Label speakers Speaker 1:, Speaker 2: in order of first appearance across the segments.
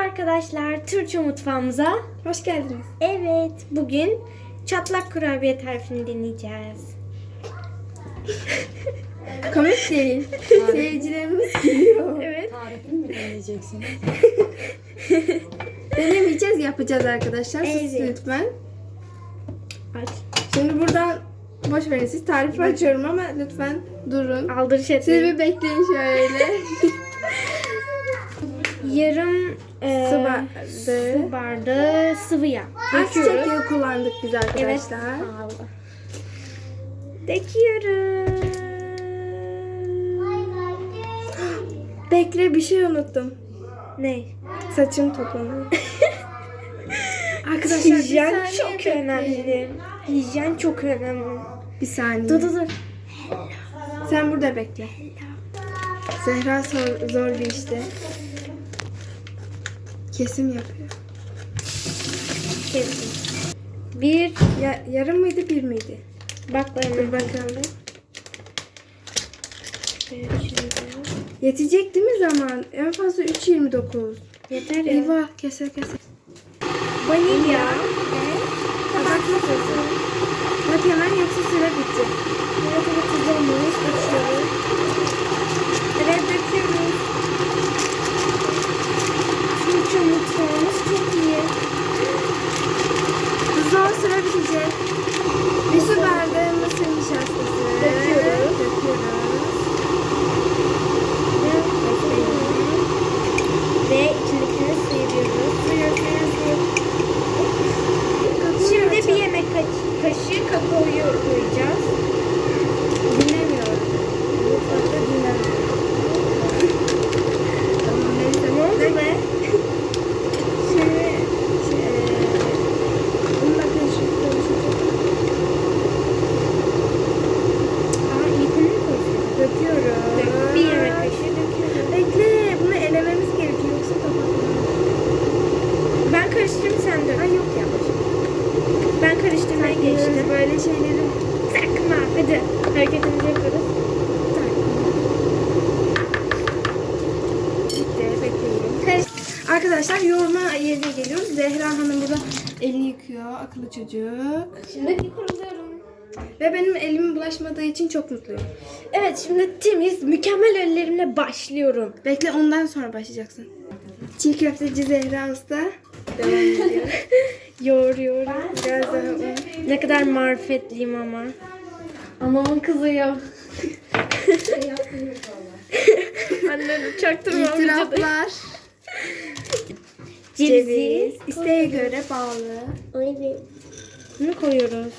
Speaker 1: arkadaşlar, Türkçe mutfağımıza
Speaker 2: Hoş geldiniz.
Speaker 1: evet, bugün çatlak kurabiye tarifini deneyeceğiz.
Speaker 2: Komik değil. Seyircilerimiz gülüyor.
Speaker 1: Evet.
Speaker 3: Tarifini mi deneyeceksiniz?
Speaker 2: Denemeyeceğiz, yapacağız arkadaşlar. Siz
Speaker 1: Evet.
Speaker 2: lütfen.
Speaker 1: Aç.
Speaker 2: Şimdi buradan boş verin. Siz tarifi açıyorum ama lütfen durun.
Speaker 1: Aldırış
Speaker 2: Siz
Speaker 1: etmeyin.
Speaker 2: bir bekleyin şöyle.
Speaker 1: Yarım
Speaker 2: Su bardağı.
Speaker 1: su bardağı sıvı yağ.
Speaker 2: Ayçiçek yağı kullandık biz
Speaker 1: Evet.
Speaker 2: arkadaşlar.
Speaker 1: Allah. Döküyoruz.
Speaker 2: Bekle, bir şey unuttum.
Speaker 1: Ne?
Speaker 2: Saçım toplanıyor. Arkadaşlar bir
Speaker 1: Hijyen
Speaker 2: saniye
Speaker 1: çok
Speaker 2: bekleyin.
Speaker 1: önemli. Hijyen çok önemli.
Speaker 2: Bir saniye.
Speaker 1: Dur.
Speaker 2: Sen burada bekle. Zehra zor bir işte. Kesim yapıyor.
Speaker 1: Kesin. Bir.
Speaker 2: Yarım mıydı, bir miydi?
Speaker 1: Bak
Speaker 2: Dur
Speaker 1: bana.
Speaker 2: bakalım. Yetecek değil mi zaman? En fazla 3.29.
Speaker 1: Yeter ya.
Speaker 2: Eyvah, keser.
Speaker 1: Vanilya.
Speaker 2: Kabartma tozu. Bak hemen, yoksa süre bitecek.
Speaker 1: Evet, tuzlarımız açıyoruz. Evet, döküyoruz. Türkçe mutfağımız çok iyi.
Speaker 2: Hızlı ol, süre bitecek. Bir su bardağı mısır nişastası.
Speaker 1: Döküyoruz. Ve içindekini sıyırıyoruz. Şimdi bir yemek kaşığı kakaoyu koyacağız.
Speaker 2: Dinlemiyorum. Mutfakta dinlemiyorum. Tamam, neyse.
Speaker 1: Ne oldu be?
Speaker 2: Şimdi bununla konuşacağım.
Speaker 1: Aa, ilkini mi koyacağız?
Speaker 2: Döküyorum.
Speaker 1: Bir yemek kaşığı döküyoruz.
Speaker 2: Bekle, bunu elememiz gerekiyor, yoksa kapatmam.
Speaker 1: Ben karıştırayım, sen dök.
Speaker 2: Ay yok ya.
Speaker 1: Ben karıştırmaya geçtim.
Speaker 2: Böyle şeyleri.
Speaker 1: Takma. Hadi hareketimizi yapıyoruz.
Speaker 2: Bitti, bekleyin. Arkadaşlar, yoğurma yerine geliyoruz. Zehra Hanım burada elini yıkıyor, akıllı çocuk.
Speaker 1: Şimdi kuruluyorum.
Speaker 2: Ve benim elimin bulaşmadığı için çok mutluyum.
Speaker 1: Evet, şimdi temiz, mükemmel ellerimle başlıyorum.
Speaker 2: Bekle, ondan sonra başlayacaksın. Çiğ köfteci Zehra Usta devam ediyor.
Speaker 1: Yoğuruyorum.
Speaker 2: Biraz daha un.
Speaker 1: Ne kadar marifetliyim ama. Anamın kızıyor. Anne çaktırma.
Speaker 2: İtiraflar.
Speaker 1: Ceviz.
Speaker 2: İsteğe göre bağlı.
Speaker 1: Bunu koyuyoruz.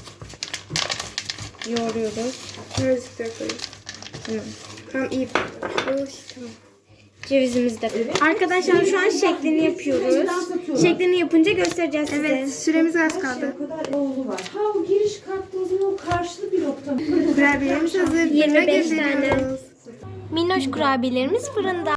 Speaker 1: Yoğuruyoruz.
Speaker 2: Birazcık daha koyayım.
Speaker 1: Tamam.
Speaker 2: Tamam, iyi. Tamam.
Speaker 1: Cevizimizi de. Arkadaşlar şu an şeklini yapıyoruz. Şeklini yapınca göstereceğiz size.
Speaker 2: Evet, süremiz az kaldı.
Speaker 3: O kadar oğlu var. Ha, o giriş katta o zaman o karşılı bir nokta.
Speaker 2: Kurabiyelerimiz hazır.
Speaker 1: 25
Speaker 2: Fırına
Speaker 1: tane.
Speaker 2: gönderiyoruz.
Speaker 1: Minnoş kurabiyelerimiz fırında.